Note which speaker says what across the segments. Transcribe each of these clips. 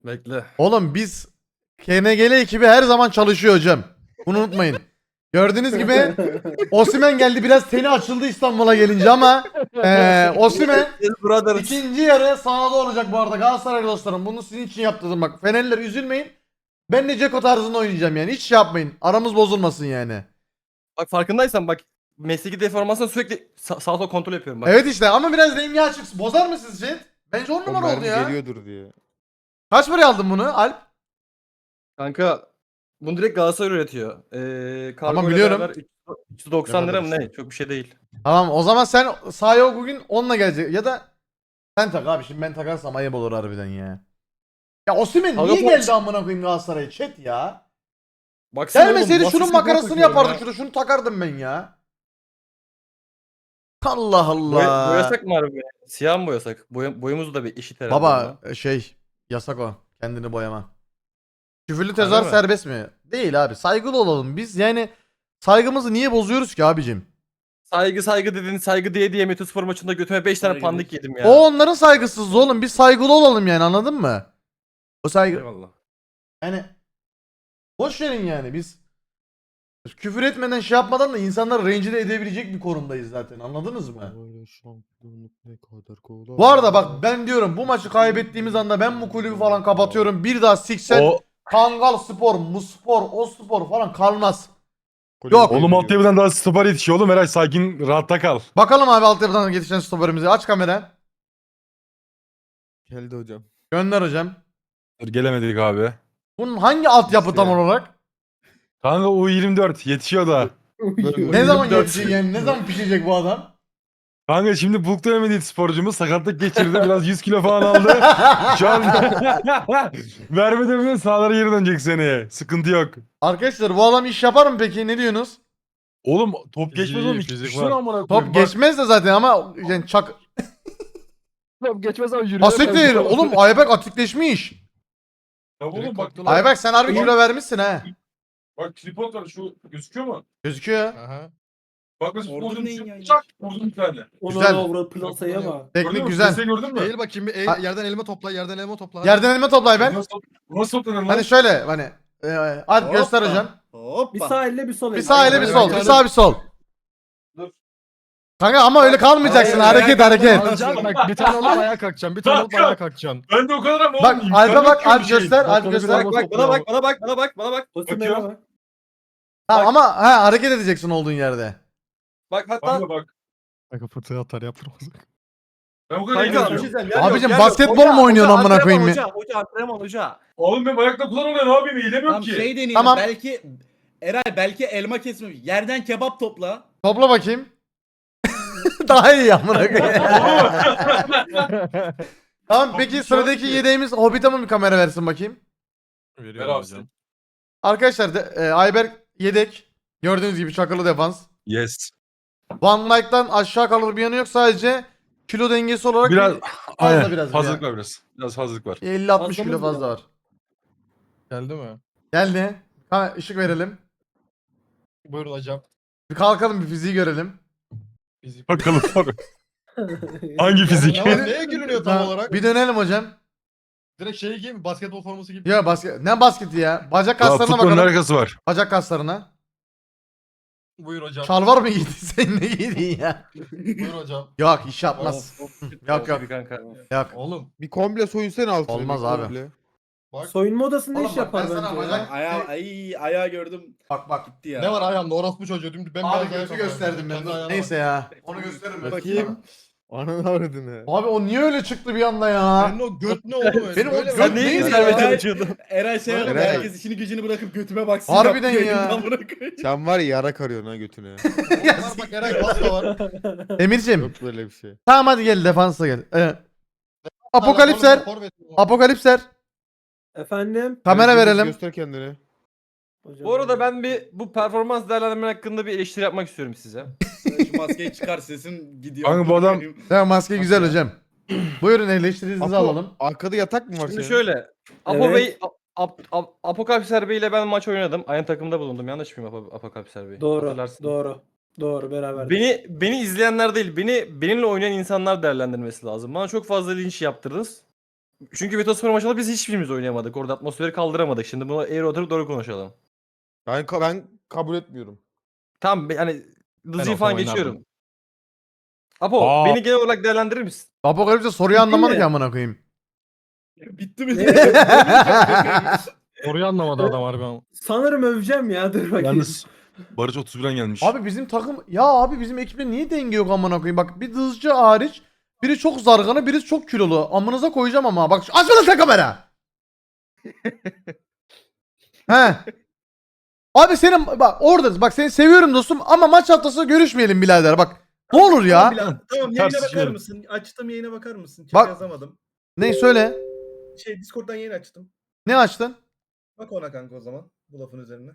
Speaker 1: Bekle.
Speaker 2: Oğlum biz KNGL ekibi her zaman çalışıyor hocam. Bunu unutmayın. Gördüğünüz gibi Osimhen geldi, biraz teni açıldı İstanbul'a gelince ama Osimhen
Speaker 1: Yes brothers.
Speaker 2: ikinci yarı sahada olacak bu arada Galatasaray dostlarım. Bunu sizin için yaptırdım bak. Fenerliler üzülmeyin. Ben de Ceko tarzında oynayacağım yani. Hiç şey yapmayın. Aramız bozulmasın yani.
Speaker 1: Bak farkındaysan bak mesleki deformasyon sürekli sağ sol kontrol yapıyorum bak.
Speaker 2: Evet işte ama biraz rengi açık. Bozar mı sizce? Bence 10
Speaker 3: O
Speaker 2: numara oldu
Speaker 3: mermi
Speaker 2: ya.
Speaker 3: geliyordur diye.
Speaker 2: Kaç paraya aldın bunu Alp?
Speaker 1: Kanka bunu direkt Galatasaray üretiyor. Kargo
Speaker 2: Tamam,
Speaker 1: ile
Speaker 2: biliyorum.
Speaker 1: beraber 390 lira mı ne? Çok bir şey değil.
Speaker 2: Tamam o zaman sen sahaya bugün 10'la gelecek ya da sen tak abi, şimdi ben takarsam ayıp olur harbiden ya. Ya Osimhen
Speaker 1: Kanka
Speaker 2: niye
Speaker 1: bu-
Speaker 2: geldi amına koyayım Galatasaray'a chat ya?
Speaker 1: Baksana
Speaker 2: Gelmeseydi
Speaker 1: oğlum,
Speaker 2: şunun
Speaker 1: basketbol
Speaker 2: makarasını
Speaker 1: takıyor
Speaker 2: yapardık,
Speaker 1: ya.
Speaker 2: şunu takardım ben ya. Allah Allah.
Speaker 1: Boyasak mı harbi? Siyah mı boyasak? Boyumuzu da bir eşit herhalde.
Speaker 2: Baba
Speaker 1: onunla.
Speaker 2: yasak o. Kendini boyama. Küfürlü
Speaker 1: Harbi
Speaker 2: tezahür
Speaker 1: mi?
Speaker 2: serbest mi? Değil abi. Saygılı olalım. Biz yani saygımızı niye bozuyoruz ki abicim?
Speaker 1: Saygı dedin, saygı diye Metospor maçında götüme 5 tane pandik yedim ya.
Speaker 2: O onların saygısızlığı oğlum. Biz saygılı olalım yani, anladın mı? O saygı.
Speaker 1: Eyvallah.
Speaker 2: Yani boş verin yani, biz küfür etmeden şey yapmadan da insanları rencide edebilecek bir konumdayız zaten, anladınız mı?
Speaker 3: Böyle şampiyonluk ne kadar kolay.
Speaker 2: Bu arada bak ben diyorum, bu maçı kaybettiğimiz anda ben bu kulübü falan kapatıyorum. Bir daha siksen
Speaker 4: O
Speaker 2: Kangal Spor, Muspor, O Spor falan kalmaz.
Speaker 3: Kulübü
Speaker 2: Yok.
Speaker 4: oğlum
Speaker 3: kaybediyor.
Speaker 4: altyapıdan daha stoper yetişiyor oğlum. Eray sakin rahatta kal.
Speaker 2: Bakalım abi altyapıdan yetişen stoperimizi. Aç kamera.
Speaker 3: Geldi hocam.
Speaker 2: Gönder hocam.
Speaker 4: Dur, gelemedik abi.
Speaker 2: Bunun hangi altyapı tam
Speaker 3: İşte.
Speaker 2: olarak?
Speaker 4: Kanka U24 yetişiyor da.
Speaker 2: Ne zaman
Speaker 4: 24.
Speaker 2: yetişecek yani? Ne zaman pişecek bu adam?
Speaker 4: Kanka şimdi Bulk dönemedi sporcumuz sakatlık geçirdi. Biraz 100 kilo falan aldı. Şu an verme dönemi sahalara geri dönecek seneye. Sıkıntı yok.
Speaker 2: Arkadaşlar bu adam iş yapar mı peki? Ne diyorsunuz?
Speaker 4: Oğlum top geçmez oğlum.
Speaker 3: fizik
Speaker 4: Düşünsene
Speaker 3: var.
Speaker 4: amına koyayım.
Speaker 2: Top
Speaker 4: Bak,
Speaker 2: geçmez de zaten ama yani
Speaker 4: top geçmez ama yürüyemez.
Speaker 2: Asiktir. Oğlum Ayberk atikleşmiş.
Speaker 4: Ya oğlum bak.
Speaker 2: Ayberk sen harbi kilo vermişsin ha.
Speaker 4: Bak tripod var şu gözüküyor mu?
Speaker 2: Gözüküyor.
Speaker 3: Aha.
Speaker 4: Bak mesela
Speaker 5: Orada
Speaker 4: vurdum
Speaker 5: neyin yayını?
Speaker 4: çak vurdum bir tane.
Speaker 2: Güzel.
Speaker 5: Ona avra plasaya bak.
Speaker 2: Teknik
Speaker 4: Gördün mü?
Speaker 2: güzel.
Speaker 4: Sesi gördün mü?
Speaker 3: Eğil bakayım bir
Speaker 2: Ha-
Speaker 3: yerden elma topla, yerden elma topla.
Speaker 2: Yerden elma topla Ayberk.
Speaker 4: Nasıl toplanır lan?
Speaker 2: Hani şöyle hani Alp göster hocam.
Speaker 5: Bir sağ elle bir sol elle.
Speaker 2: Bir sağ ile bir
Speaker 3: Aynen,
Speaker 2: sol.
Speaker 3: aynen.
Speaker 2: Bir sağ bir sol.
Speaker 4: Dur.
Speaker 2: Kanka ama öyle kalmayacaksın.
Speaker 5: Hayır,
Speaker 2: Hareket
Speaker 5: ayağa
Speaker 2: hareket.
Speaker 3: Alacaksın bak, bir tane alıp ayağa kalkacaksın. Bir tane alıp ayağa kalkacaksın.
Speaker 4: Ben de o kadar ama
Speaker 2: Bak
Speaker 4: oğlum,
Speaker 2: Alp'e
Speaker 4: imkanı
Speaker 2: bak,
Speaker 4: yok
Speaker 2: Alp
Speaker 4: bir şeyin.
Speaker 2: göster, Alp
Speaker 3: Bakalım
Speaker 2: göster.
Speaker 3: bir
Speaker 1: Bak bana bak bana bak bana bak.
Speaker 5: Osimhen'e bak.
Speaker 2: Tamam ama ha, hareket edeceksin olduğun yerde.
Speaker 1: Bak hatta
Speaker 4: Kanka bak.
Speaker 3: Kanka fırtına atar yaptırmaz.
Speaker 4: Ben o kadar
Speaker 1: kanka
Speaker 4: eğleniyorum.
Speaker 2: Abicim, basketbol mu oynuyorsun amına koyayım ya?
Speaker 1: Hoca antrenman hoca.
Speaker 4: Oğlum benim ayakta kullanamıyorum ne yapayım eğilemiyorum
Speaker 6: Tamam
Speaker 4: ki.
Speaker 6: şey deneyelim.
Speaker 2: Tamam.
Speaker 6: Belki Eray belki elma kesme. Yerden kebap topla.
Speaker 2: Topla bakayım. Daha iyi amına koyayım. Tamam peki sıradaki yedeğimiz Hobbit'e mi bir kamera versin bakayım?
Speaker 4: Ver abi sen.
Speaker 2: Arkadaşlar Ayberk yedek. Gördüğünüz gibi çakılı defans.
Speaker 4: Yes.
Speaker 2: Van Dijk'tan aşağı kalır bir yanı yok, sadece kilo dengesi olarak
Speaker 4: Biraz
Speaker 2: fazla
Speaker 4: aynen,
Speaker 2: biraz
Speaker 4: fazlalık
Speaker 2: ya.
Speaker 4: var biraz. Biraz fazlalık var.
Speaker 2: 50-60 kilo
Speaker 5: Fazlamız
Speaker 2: fazla
Speaker 5: mı?
Speaker 2: var.
Speaker 3: Geldi mi?
Speaker 2: Geldi. Ha, ışık verelim.
Speaker 3: Buyurun hocam.
Speaker 2: Bir kalkalım, bir fiziği görelim.
Speaker 4: Bakalım abi. Hangi fizik?
Speaker 3: Ne var? Neye gülünüyor tam
Speaker 2: Ha,
Speaker 3: olarak?
Speaker 2: bir dönelim hocam.
Speaker 3: Direkt şey gibi mi? Basketbol forması gibi.
Speaker 2: Ya ne basketi ya? Bacak
Speaker 4: Aa,
Speaker 2: kaslarına
Speaker 4: futbolun
Speaker 2: bakalım.
Speaker 4: arkası var.
Speaker 2: Bacak kaslarına.
Speaker 3: Buyur hocam.
Speaker 2: Şalvar mı giydin sen, ne giydin ya?
Speaker 3: Buyur hocam.
Speaker 2: Yok iş yapmaz. Yok yok.
Speaker 1: Kanka.
Speaker 2: Yok.
Speaker 3: Oğlum
Speaker 7: Bir komple soyunsana altını.
Speaker 2: Olmaz
Speaker 7: bir
Speaker 2: abi.
Speaker 7: komple.
Speaker 3: bak.
Speaker 5: Soyunma odasında
Speaker 2: Oğlum
Speaker 5: iş
Speaker 2: bak,
Speaker 5: yapar
Speaker 2: ben sana
Speaker 5: bence
Speaker 2: bacak-
Speaker 5: ya.
Speaker 6: Ayağı gördüm
Speaker 2: Bak.
Speaker 6: gitti ya.
Speaker 3: Ne var ayağımda? Orospu çocuğu. Dümdüz ben
Speaker 2: Abi götü gösterdim ben. Neyse ya. Onu gösteririm ben.
Speaker 7: Bakayım. Ananı avradını.
Speaker 2: Abi o niye öyle çıktı bir anda ya?
Speaker 3: Senin o göt ne oğlum öyle?
Speaker 2: Benim o
Speaker 3: Böyle
Speaker 2: göt
Speaker 3: mi?
Speaker 2: Sen neyi
Speaker 1: Neyi
Speaker 2: güzel
Speaker 1: güzel
Speaker 2: be
Speaker 1: çalışıyordun?
Speaker 6: Eray şey yaptı.
Speaker 7: Eray.
Speaker 6: Herkes işini gücünü bırakıp götüme baksın.
Speaker 2: Harbiden
Speaker 6: yaptı,
Speaker 2: ya.
Speaker 6: yayından bırakıyor.
Speaker 7: Sen var ya yara karıyorsun ha götüne.
Speaker 3: Var bak Eray bas da var.
Speaker 2: Emir'cim.
Speaker 7: Yok böyle bir şey.
Speaker 2: Tamam hadi gel, defansa gel. Apokalipser. Apokalipser.
Speaker 5: Efendim?
Speaker 2: Kamera
Speaker 7: Gözünü
Speaker 2: verelim.
Speaker 7: Göster kendini.
Speaker 5: Hocam,
Speaker 1: Bu arada ben bu performans değerlendirme hakkında bir eleştiri yapmak istiyorum size.
Speaker 6: Şu maskeyi çıkar sesin gidiyor.
Speaker 4: Kanka bu adam-
Speaker 2: Tamam, maske güzel hocam. Buyurun eleştirinizi
Speaker 7: Apo,
Speaker 2: alalım.
Speaker 7: arkada yatak mı var
Speaker 1: Şimdi
Speaker 7: senin?
Speaker 1: şöyle. Apo
Speaker 5: Evet.
Speaker 1: Bey, Apokalipser Bey ile ben maç oynadım. Aynı takımda bulundum. Yanlış mıyım Apokalipser Bey?
Speaker 5: Doğru.
Speaker 1: Hatırlarsın.
Speaker 5: Doğru beraber.
Speaker 1: Benimle izleyenler değil, benimle oynayan insanlar değerlendirmesi lazım. Bana çok fazla linç yaptırdınız. Çünkü Vetospor maçında biz hiçbirimiz oynayamadık. Orada atmosferi kaldıramadık. Şimdi bunu eğri oturup doğru konuşalım.
Speaker 7: Ben kabul etmiyorum.
Speaker 1: Tamam yani Dızcı'yı
Speaker 4: olsam
Speaker 1: falan
Speaker 4: oynardım.
Speaker 1: geçiyorum. Apo
Speaker 4: Aa.
Speaker 1: beni genel olarak değerlendirir misin?
Speaker 2: Apokalipse soruyu anlamadı ki amına koyayım.
Speaker 6: Bitti mi?
Speaker 3: Soruyu anlamadı adam harbi ama.
Speaker 5: Sanırım öveceğim ya, dur bakayım.
Speaker 4: Yalnız Barış 31'den gelmiş.
Speaker 2: Abi bizim takım ya abi bizim ekipte niye denge yok amına koyayım? Bak bir Dızcı hariç biri çok zargana, biri çok kilolu. Amınıza koyacağım ama. Bak açma lan sen kamera. He. Abi senin bak orada bak seni seviyorum dostum ama maç haftası görüşmeyelim birader bak. Ne olur ya.
Speaker 8: Tamam yayına bakar
Speaker 4: Tartışmayalım.
Speaker 8: mısın? Açtım yayına bakar mısın? Chat
Speaker 2: Bak.
Speaker 8: yazamadım.
Speaker 2: Ne söyle?
Speaker 8: Discord'dan yayın açtım.
Speaker 2: Ne açtın?
Speaker 8: Bak ona kanka o zaman. Bu lafın üzerine.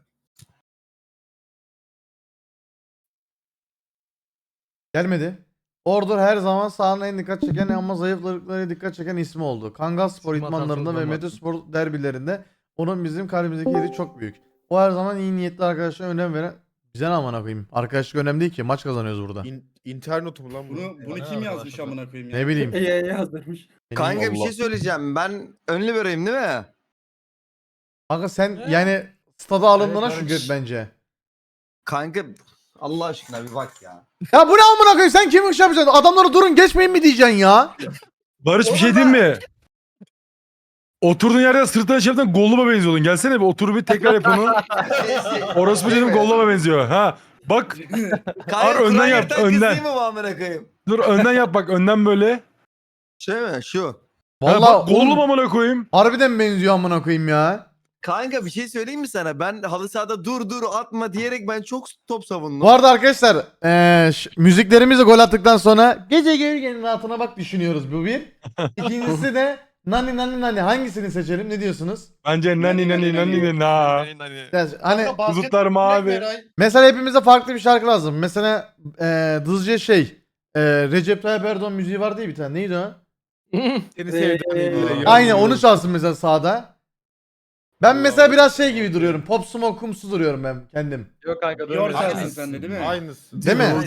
Speaker 2: Gelmedi. Ordur her zaman sahanın en dikkat çeken ama zayıflıklara dikkat çeken ismi oldu. Kangal Spor
Speaker 3: İsim
Speaker 2: idmanlarında ve
Speaker 3: hatasından
Speaker 2: Mediospor derbilerinde onun bizim kalbimizdeki yeri çok büyük. O her zaman iyi niyetli arkadaşlara önem veren bize ne amına koyayım. Arkadaşlık önemli değil ki maç kazanıyoruz burada.
Speaker 7: İnternet mu lan bu?
Speaker 6: Bunu kim yazmış amına koyayım ya?
Speaker 2: Ne bileyim.
Speaker 5: Yazdırmış.
Speaker 9: Kanka bir
Speaker 4: Allah.
Speaker 9: şey söyleyeceğim. Ben önlü vereyim değil mi?
Speaker 2: Kanka sen yani stada alındığına
Speaker 3: Evet,
Speaker 2: şükret bence.
Speaker 9: Kanka Allah aşkına bir bak ya.
Speaker 2: Ya bu ne amına koyayım sen kim iş yapacaksın? Adamlara durun geçmeyin mi diyeceksin ya?
Speaker 4: Barış bir şey diyeyim mi? Oturduğun yerde sırtına çevirden Gollum'a benziyordun. Gelsene bir otur bir tekrar yap onu. Orası dedim Gollum'a benziyor. Ha bak
Speaker 9: Kanka
Speaker 4: önden
Speaker 9: Kur'an
Speaker 4: yap,
Speaker 9: yırtan kız
Speaker 4: önden.
Speaker 9: değil mi bu amına koyayım?
Speaker 4: dur önden yap bak önden böyle.
Speaker 9: Şey mi? Şu.
Speaker 4: Ha,
Speaker 2: Vallahi
Speaker 4: bak Gollum
Speaker 2: oğlum,
Speaker 4: amına koyayım.
Speaker 2: harbiden benziyor amına koyayım ya.
Speaker 9: Kanka bir şey söyleyeyim mi sana? Ben halı sahada dur atma diyerek ben çok top savundum.
Speaker 2: Bu arada arkadaşlar müziklerimizi gol attıktan sonra gece gölgenin rahatına bak düşünüyoruz bu bir. İkincisi de nani nani nani hangisini seçelim ne diyorsunuz?
Speaker 4: Bence nani nani nani na.
Speaker 2: Yani hani
Speaker 4: Bulutlar mavi.
Speaker 2: mesela hepimize farklı bir şarkı lazım. Mesela Dızcı'ya Recep Tayyip Erdoğan müziği var diye bir tane neydi o?
Speaker 7: Seni sevdim.
Speaker 2: Aynen onu çalsın mesela sağda. Ben mesela biraz şey gibi duruyorum. Pop Smoke'umsu duruyorum ben kendim.
Speaker 1: Yok kanka
Speaker 6: Yor
Speaker 1: dönmüyor.
Speaker 6: sensin sen de değil mi?
Speaker 3: Aynısı.
Speaker 2: Değil mi?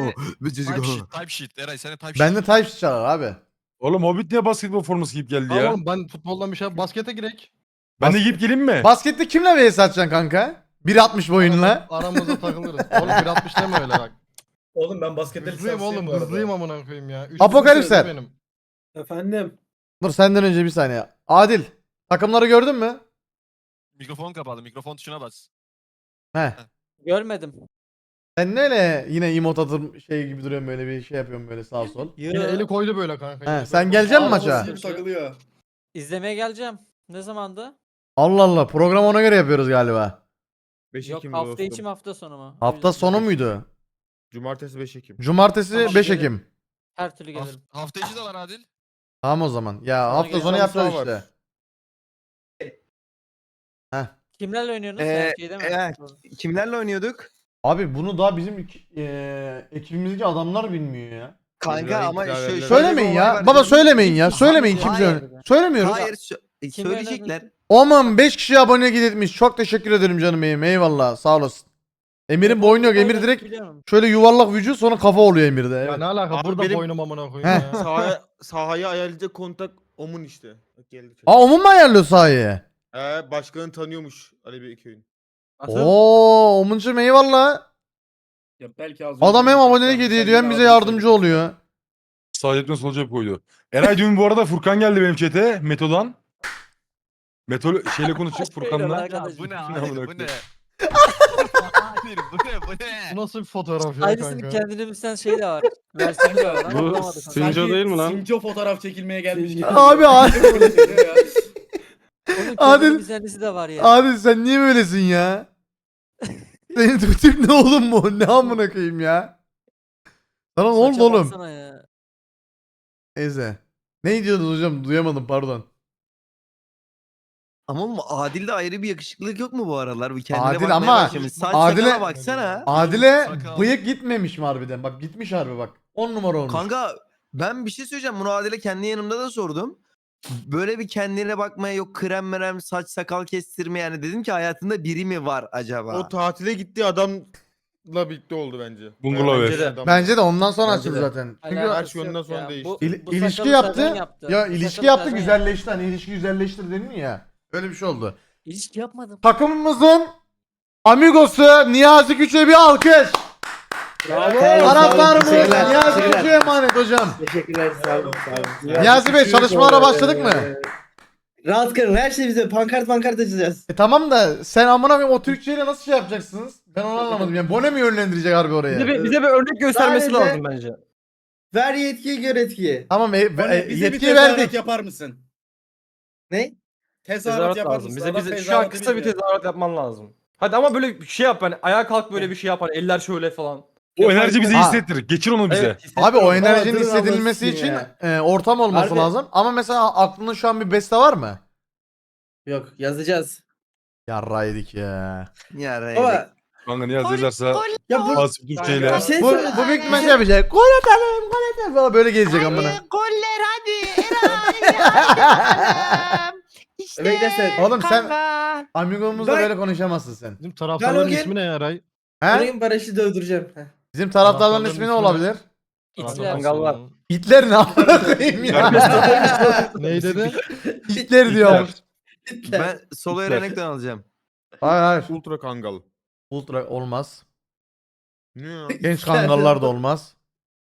Speaker 2: Ben de Type çalar abi.
Speaker 4: Oğlum Hobbit niye basketbol forması giyip geldi ya?
Speaker 3: Oğlum ben futboldan bir şey baskete girek.
Speaker 4: Ben de giyip geleyim mi?
Speaker 2: Baskette kimle vs atacaksın kanka? 1.60 boyunla.
Speaker 3: Aramızda takılırız. Oğlum 1.60 deme öyle bak.
Speaker 8: Oğlum ben baskette
Speaker 3: Hızlıyım oğlum hızlıyım amına koyayım ya. Üç
Speaker 2: Apokalipser.
Speaker 3: benim.
Speaker 5: Efendim.
Speaker 2: Dur senden önce bir saniye. Adil. Takımları gördün mü?
Speaker 10: Mikrofon kapalı. Mikrofon tuşuna bas.
Speaker 2: He.
Speaker 11: Görmedim.
Speaker 2: Sen ne öyle yine emot atır şey gibi duruyorsun böyle bir şey yapıyorsun böyle sağ sol.
Speaker 3: Yine eli koydu böyle kanka.
Speaker 2: He, sen gelecek misin maça?
Speaker 6: Takılıyor.
Speaker 11: İzlemeye geleceğim. Ne zamandı?
Speaker 2: Allah Allah program ona göre yapıyoruz galiba.
Speaker 7: 5
Speaker 11: Yok
Speaker 7: Ekim
Speaker 11: hafta
Speaker 7: dostum.
Speaker 11: içi mi hafta sonu mu?
Speaker 2: Hafta sonu muydu?
Speaker 7: Cumartesi 5 Ekim.
Speaker 2: Cumartesi
Speaker 11: Tamam,
Speaker 2: 5
Speaker 11: gelirim.
Speaker 2: Ekim.
Speaker 11: Her türlü gelirim.
Speaker 10: Hafta içi de var Adil.
Speaker 2: Tamam o zaman. Ya
Speaker 11: Sana
Speaker 2: hafta
Speaker 11: göre
Speaker 2: sonu
Speaker 7: halı
Speaker 2: yapacağız
Speaker 7: saha var.
Speaker 2: işte.
Speaker 11: Kimlerle oynuyorsunuz? Şeyde mi?
Speaker 9: Kimlerle oynuyorduk?
Speaker 2: Abi bunu daha bizim ekibimizdeki adamlar bilmiyor ya.
Speaker 9: Kanka ama
Speaker 7: İntikal
Speaker 9: şöyle
Speaker 7: ederler.
Speaker 2: Söylemeyin
Speaker 9: bir olay
Speaker 2: ya.
Speaker 9: var.
Speaker 2: Baba söylemeyin ya. Söylemeyin
Speaker 11: Hayır.
Speaker 2: kimse. Söylemiyoruz.
Speaker 9: Hayır
Speaker 11: Kim
Speaker 9: söyleyecekler.
Speaker 2: Aman 5 kişi abone gitmiş. Çok teşekkür ederim canım benim. Eyvallah. Sağ olasın. Emir'in boynu yok. Emir direkt
Speaker 11: Biliyorum.
Speaker 2: şöyle yuvarlak vücut sonra kafa oluyor Emir'de.
Speaker 3: Ya
Speaker 2: Evet.
Speaker 3: ne alaka
Speaker 7: Abi
Speaker 3: burada
Speaker 7: benim-
Speaker 3: boynum amına koyayım
Speaker 2: Heh.
Speaker 3: ya.
Speaker 7: Sahayı ayarlayacak kontak Omun işte. Bak geldi.
Speaker 2: Aa Omun mu ayarlıyor sahayı?
Speaker 7: Başkanı tanıyormuş Ali Beyköy'ün.
Speaker 2: Oo Omun'cum eyvallah.
Speaker 6: Ya belki az
Speaker 2: Adam
Speaker 6: önce
Speaker 2: hem abonelik
Speaker 6: sen
Speaker 2: hediye
Speaker 6: de
Speaker 2: ediyor hem bize
Speaker 6: abi
Speaker 2: yardımcı
Speaker 6: söyledin.
Speaker 2: oluyor.
Speaker 4: Sağ cepten sol cep koydu. Eray dün bu arada Furkan geldi benim chat'e. Meto'dan. Meto şeyle konuşuyor Furkan'la.
Speaker 11: Arkadaş.
Speaker 10: Bu ne
Speaker 4: Amına
Speaker 10: Adil? Bu
Speaker 4: koyayım.
Speaker 10: ne? Adil bu ne? Bu ne?
Speaker 3: Bu nasıl bir fotoğraf ya
Speaker 11: Aynısını
Speaker 3: kanka?
Speaker 11: kendine bilsen şey de var. Versiyonu da var.
Speaker 1: Bu
Speaker 11: Anlamadım.
Speaker 1: Sinco
Speaker 6: Sanki
Speaker 1: değil mi lan?
Speaker 6: Sinco fotoğraf çekilmeye gelmiş gibi.
Speaker 2: Abi Adil,
Speaker 6: Böyle çekiyor ya.
Speaker 11: Onun
Speaker 2: Adil-
Speaker 11: kendine bilsenlisi de var ya.
Speaker 2: Adil sen niye böylesin ya? Senin bu tip ne oğlum bu? Ne amına koyayım ya? Sana ne oldu
Speaker 11: Saça
Speaker 2: oğlum?
Speaker 11: baksana ya.
Speaker 2: Neyse. Ne diyordunuz hocam? Duyamadım pardon.
Speaker 9: Ama oğlum Adil'de ayrı bir yakışıklılık yok mu bu aralar? Bir kendine
Speaker 2: Adil
Speaker 9: bakmaya
Speaker 2: ama-
Speaker 9: başlamış. Saç
Speaker 2: Adil'e-
Speaker 9: sakala baksana.
Speaker 2: Adile
Speaker 10: sakal.
Speaker 2: bıyık gitmemiş mi harbiden? Bak gitmiş harbi bak. 10 numara olmuş.
Speaker 9: Kanka ben bir şey söyleyeceğim. Bunu Adil'e kendi yanımda da sordum. Böyle bir kendine bakmaya yok krem merem saç sakal kestirme yani dedim ki hayatında biri mi var acaba?
Speaker 7: O tatile gitti adam birlikte oldu bence.
Speaker 4: Bungalov
Speaker 1: Bence
Speaker 4: ev.
Speaker 1: de.
Speaker 2: Bence de ondan sonra
Speaker 8: Bence
Speaker 2: açıldı
Speaker 8: de.
Speaker 2: zaten. Çünkü
Speaker 11: Alakası
Speaker 7: yönden
Speaker 11: yok
Speaker 7: sonra
Speaker 11: ya.
Speaker 7: değişti.
Speaker 11: Bu
Speaker 2: ilişki
Speaker 11: sakalı
Speaker 2: yaptı.
Speaker 11: Sergen yaptı.
Speaker 2: Ya
Speaker 11: Bu
Speaker 2: ilişki
Speaker 11: sakalı
Speaker 2: yaptı
Speaker 11: Sergen
Speaker 2: güzelleşti. Hani ilişki güzelleştir deniliyor ya. Öyle bir şey oldu.
Speaker 11: İlişki yapmadım.
Speaker 2: Takımımızın Amigosu Niyazi Küçük'e bir alkış. Taraftarımız Niyazi Küçük'e emanet hocam.
Speaker 5: Teşekkürler sağ olun.
Speaker 2: Niyazi Bey çalışmalara başladık mı?
Speaker 5: Rahat karın her şey bize pankart açacağız.
Speaker 2: Tamam da sen amına koyayım o Türkçeyle nasıl şey yapacaksınız? Ben onu anlamadım. Yani Bone mi yönlendirecek harbi oraya?
Speaker 1: Bize bir örnek göstermesi
Speaker 5: Sadece-
Speaker 1: lazım bence.
Speaker 5: Ver yetkiyi gör etkiyi.
Speaker 2: Tamam
Speaker 6: Bize bir
Speaker 2: yetkiyi
Speaker 6: tezahürat
Speaker 2: verdik.
Speaker 6: yapar mısın?
Speaker 5: Ne?
Speaker 6: Tezahürat
Speaker 1: Tezahürat
Speaker 6: yapar
Speaker 1: lazım.
Speaker 6: mısın?
Speaker 1: Bize şu an kısa bir tezahürat yapman lazım. Hadi ama böyle bir şey yap hani ayağa kalk böyle bir şey yap hani eller şöyle falan.
Speaker 4: O enerji bizi
Speaker 2: Ha.
Speaker 4: hissettir. Geçir onu bize.
Speaker 1: Evet,
Speaker 2: Abi o
Speaker 5: Aa,
Speaker 2: enerjinin
Speaker 5: dur
Speaker 2: hissedilmesi
Speaker 5: Allah'ım
Speaker 2: için
Speaker 5: ya.
Speaker 2: ortam olması
Speaker 5: Harbi.
Speaker 2: lazım. Ama mesela aklında şu an bir beste var mı?
Speaker 5: Yok yazacağız.
Speaker 2: Yarra yedik ya.
Speaker 9: Ya
Speaker 5: Ama
Speaker 4: Kanka Niyazi yazarsa
Speaker 5: ya bu
Speaker 4: Asif Türkçeyle.
Speaker 5: bir şey
Speaker 2: Bu,
Speaker 5: söyle-
Speaker 2: bu büyük ihtimalle şey yapacak. Gol atalım, gol atalım falan böyle gelecek amına.
Speaker 9: Goller hadi. İşte
Speaker 5: Bekle sen.
Speaker 2: Oğlum sen Amigomuzla
Speaker 5: Ben-
Speaker 2: böyle konuşamazsın sen.
Speaker 3: Bizim taraftarların
Speaker 5: Ben o
Speaker 3: ismi ne ya Ray?
Speaker 2: He?
Speaker 5: Arayayım Barış'ı dövdüreceğim. Heh.
Speaker 2: Bizim taraftarların
Speaker 3: Taraftarların
Speaker 2: ismi ne
Speaker 3: ismi ne?
Speaker 2: olabilir?
Speaker 11: İtler.
Speaker 1: Mangallar.
Speaker 2: Hitler ne amına koyayım ya.
Speaker 3: Neyi dedi?
Speaker 2: Hitler diyor.
Speaker 9: Ben solo Erenek'ten alacağım.
Speaker 2: Hayır hayır.
Speaker 7: Ultra Kangal.
Speaker 2: Ultra olmaz.
Speaker 7: Ne ya?
Speaker 2: Genç kangallar da olmaz.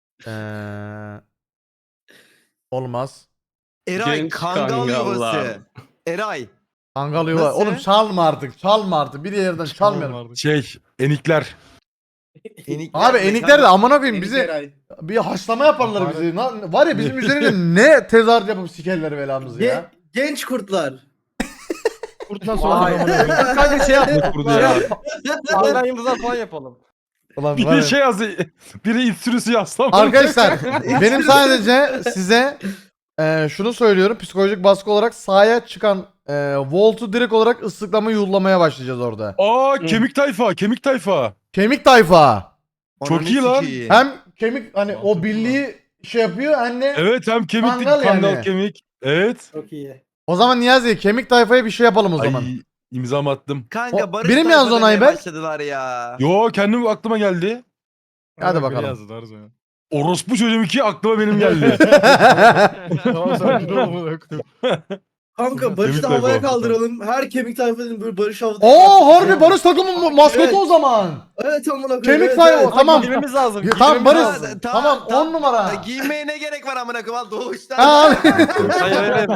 Speaker 2: Olmaz.
Speaker 9: Eray
Speaker 10: Genç
Speaker 9: Kangal
Speaker 10: Kangallar.
Speaker 9: yuvası. Eray.
Speaker 2: Kangal yuva.
Speaker 9: Nasıl?
Speaker 2: Oğlum çalma artık. Çalma artık. Bir yerden çalmayalım.
Speaker 4: Enikler.
Speaker 9: Enikler
Speaker 2: Abi
Speaker 9: de
Speaker 2: enikler de
Speaker 9: kanka-
Speaker 2: amına koyayım bizi bir haşlama yaparlar bizi. Var ya bizim üzerinde ne tezahürat yapıp sikerler belamızı ya.
Speaker 5: Genç kurtlar.
Speaker 3: Kurt nasıl olur amına koyayım?
Speaker 1: Kanka şey yap.
Speaker 4: Burada ya.
Speaker 1: Parlayan yıldızlar falan yapalım.
Speaker 2: Ulan var
Speaker 4: Biri
Speaker 2: ya.
Speaker 4: şey yazdı. Biri it sürüsü yazsam.
Speaker 2: Arkadaşlar benim sadece size şunu söylüyorum. Psikolojik baskı olarak sahaya çıkan Volt'u direkt olarak ıslıklama yollamaya başlayacağız orada.
Speaker 4: Aa kemik tayfa. Kemik tayfa.
Speaker 2: Kemik tayfa.
Speaker 4: Çok
Speaker 9: Ananı
Speaker 4: iyi lan.
Speaker 9: sikeyim.
Speaker 2: Hem kemik hani o birliği şey yapıyor hem de
Speaker 4: Evet hem kemik
Speaker 2: Kangal
Speaker 4: kangal
Speaker 2: yani.
Speaker 4: kemik. Evet.
Speaker 5: Çok iyi.
Speaker 2: o zaman Niyazi kemik tayfaya bir şey yapalım o zaman.
Speaker 4: Ay imzamı attım.
Speaker 9: Kanka
Speaker 2: O-
Speaker 9: Barış
Speaker 2: biri mi yazdı
Speaker 9: tayfa
Speaker 2: onu
Speaker 9: demeye
Speaker 2: Ayber?
Speaker 9: başladılar ya.
Speaker 4: Yo kendim aklıma geldi.
Speaker 2: Hadi bakalım.
Speaker 3: Yazdı Arzu ya.
Speaker 4: Orospu çocuğum iki aklıma benim geldi.
Speaker 3: Tamam sen dur amına koyayım.
Speaker 5: Kanka Barış'ı
Speaker 4: Kemik
Speaker 5: havaya
Speaker 4: tayfa.
Speaker 5: kaldıralım. Her kemik tayfanın böyle Barış havada.
Speaker 2: Oo harbi Barış takımın maskotu
Speaker 5: Evet.
Speaker 2: o zaman.
Speaker 5: Evet amına koyayım.
Speaker 2: Kemik
Speaker 5: evet,
Speaker 2: tayfa
Speaker 5: evet.
Speaker 2: tamam.
Speaker 1: Girmemiz lazım.
Speaker 2: Tamam
Speaker 1: girmemiz
Speaker 2: Barış.
Speaker 1: lazım.
Speaker 2: Tamam 10 numara.
Speaker 9: Giymeye ne gerek var amına koyayım doğuştan.
Speaker 2: Ha,
Speaker 1: Hayır hayır.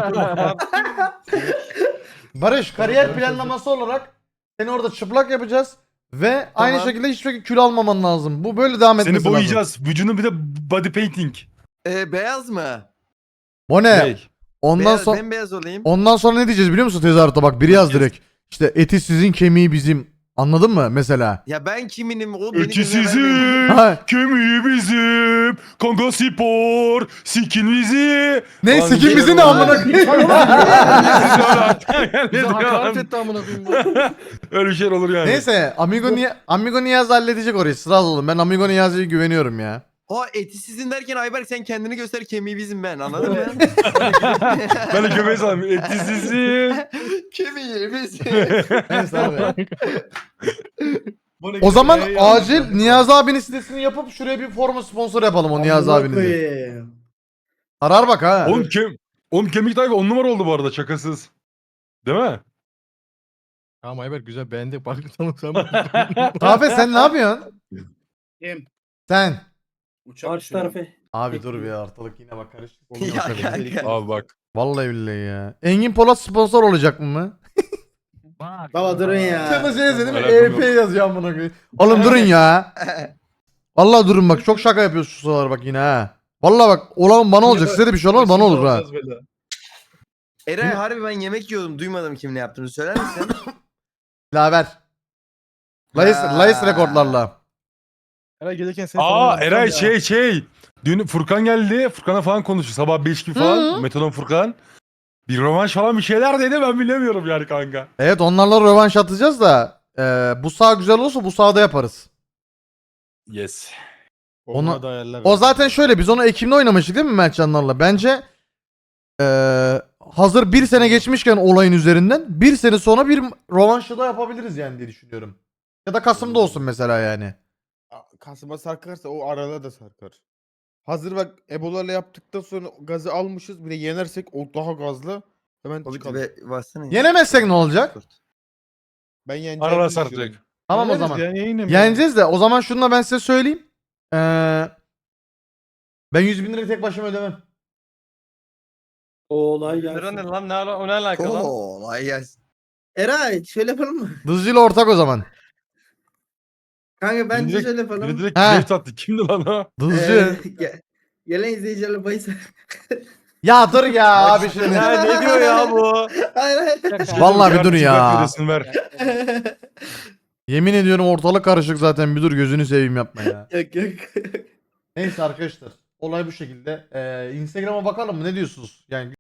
Speaker 2: Barış kariyer planlaması olarak seni orada çıplak yapacağız ve aynı şekilde hiçbir şekilde kilo almaman lazım. Bu böyle devam etmesi
Speaker 4: Seni
Speaker 2: lazım.
Speaker 4: boyayacağız. Vücudunu bir de body painting.
Speaker 9: Beyaz mı?
Speaker 2: Bu ne?
Speaker 4: Hey.
Speaker 2: Ondan
Speaker 9: Beyaz,
Speaker 2: sonra
Speaker 9: bembeyaz olayım.
Speaker 2: ondan sonra ne diyeceğiz biliyor musun tezahüratta bak biri yaz direkt. İşte eti sizin kemiği bizim. Anladın mı mesela?
Speaker 9: Ya ben kiminim o beni
Speaker 4: Ötü
Speaker 9: gözüme vermeyin.
Speaker 4: sizin,
Speaker 2: Ha.
Speaker 4: kemiği bizim, Kongo spor, sikin bizi.
Speaker 2: Ne
Speaker 4: Lan
Speaker 2: sikim bizi ne amına koyayım?
Speaker 3: Bize hakaret etti amına koyayım.
Speaker 4: Öyle bir şey olur yani.
Speaker 2: Neyse Amigo Niyaz halledecek orayı. Sıra olun. Ben Amigo Niyazi'ye güveniyorum ya.
Speaker 9: O eti sizin derken Ayberk sen kendini göster kemiği bizim ben anladın mı?
Speaker 4: Ben de göbeği sanırım. Eti sizin.
Speaker 9: Kemiği bizim.
Speaker 2: Neyse abi. O zaman acil Niyazi abinin sitesini yapıp şuraya bir forma sponsor yapalım o Niyazi
Speaker 5: Amına
Speaker 2: abinizi.
Speaker 5: koyayım.
Speaker 2: Arar bak ha.
Speaker 4: Oğlum kemik tayfa 10 numara oldu bu arada şakasız. Değil mi?
Speaker 3: Tamam Ayber güzel beğendik. Bak tamam sen.
Speaker 2: Kahve sen ne yapıyorsun?
Speaker 6: Kim?
Speaker 2: Sen.
Speaker 6: Uçak
Speaker 5: Karşı
Speaker 6: uçuyor.
Speaker 5: tarafı.
Speaker 2: Abi dur bir ortalık yine bak karışık.
Speaker 9: Ya kanka.
Speaker 4: Abi bak.
Speaker 2: Vallahi billahi ya. Engin Polat sponsor olacak mı?
Speaker 5: Baba durun ya.
Speaker 2: Sen de şey yazıyor değil mi?
Speaker 4: Alakam
Speaker 2: EP yazıyor amına koyayım. Oğlum durun ya. Vallahi durun bak çok şaka yapıyorsun şu sıralar bak yine ha. Vallahi bak olan bana olacak size de bir şey olmaz bana olur ha.
Speaker 9: Eray harbi ben yemek yiyordum duymadım kim ne yaptığını söyler misin?
Speaker 2: Laver. Layıs rekorlarla.
Speaker 3: Eray gelirken seni
Speaker 4: Aa Eray şey. Dün Furkan geldi. Furkan'a falan konuştu. Sabah 5 gibi falan. Metodon Furkan. Bir rövanş falan bir şeyler dedi ben bilemiyorum yani kanka.
Speaker 2: Evet onlarla rövanş atacağız da bu saha güzel olursa bu sahada yaparız.
Speaker 4: Yes.
Speaker 2: Onu- O zaten şöyle biz onu Ekim'de oynamıştık değil mi Mertcanlarla? Bence hazır bir sene geçmişken olayın üzerinden bir sene sonra bir rövanşı da yapabiliriz yani diye düşünüyorum. Ya da Kasım'da olsun mesela yani.
Speaker 7: Kasım'a sarkarsa o arada da sarkar. Hazır bak Ebola'yla yaptıktan sonra gazı almışız. Bir de yenersek o daha gazlı. Hemen
Speaker 9: Hobbit
Speaker 7: çıkalım.
Speaker 9: ve bassana ya.
Speaker 2: Yenemezsek ne olacak?
Speaker 7: Ben yeneceğimi
Speaker 4: Arada
Speaker 7: düşünüyorum.
Speaker 4: sarkacak.
Speaker 2: Tamam o
Speaker 4: Yeneriz
Speaker 2: zaman.
Speaker 4: ya, yayınım.
Speaker 2: Yeneceğiz de o zaman şunu da ben size söyleyeyim. Ben 100 bin lirayı tek başıma ödemem.
Speaker 5: Olay
Speaker 1: Lira ne
Speaker 5: gelsin.
Speaker 1: lan? O ne alaka lan?
Speaker 9: Kolay gelsin.
Speaker 5: Eray şöyle yapalım mı?
Speaker 2: Dızcıyla ortak o zaman.
Speaker 5: Kanka bence
Speaker 4: Biri direkt-
Speaker 5: şöyle
Speaker 4: Biri
Speaker 5: yapalım.
Speaker 4: direkt
Speaker 2: Ha.
Speaker 4: left attı. Kimdi lan o?
Speaker 2: Dızcı.
Speaker 5: Gelen izleyicilerle bahis.
Speaker 2: Ya dur ya abi şimdi.
Speaker 1: Ya ne diyor ya bu?
Speaker 5: Hayır hayır.
Speaker 2: Vallahi bir dur
Speaker 4: Çıkart
Speaker 2: ya.
Speaker 4: videosunu ver.
Speaker 2: Yemin ediyorum ortalık karışık zaten. Bir dur gözünü seveyim yapma ya.
Speaker 5: Yok yok.
Speaker 2: Neyse arkadaşlar. Olay bu şekilde. Instagram'a bakalım mı? Ne diyorsunuz? Yani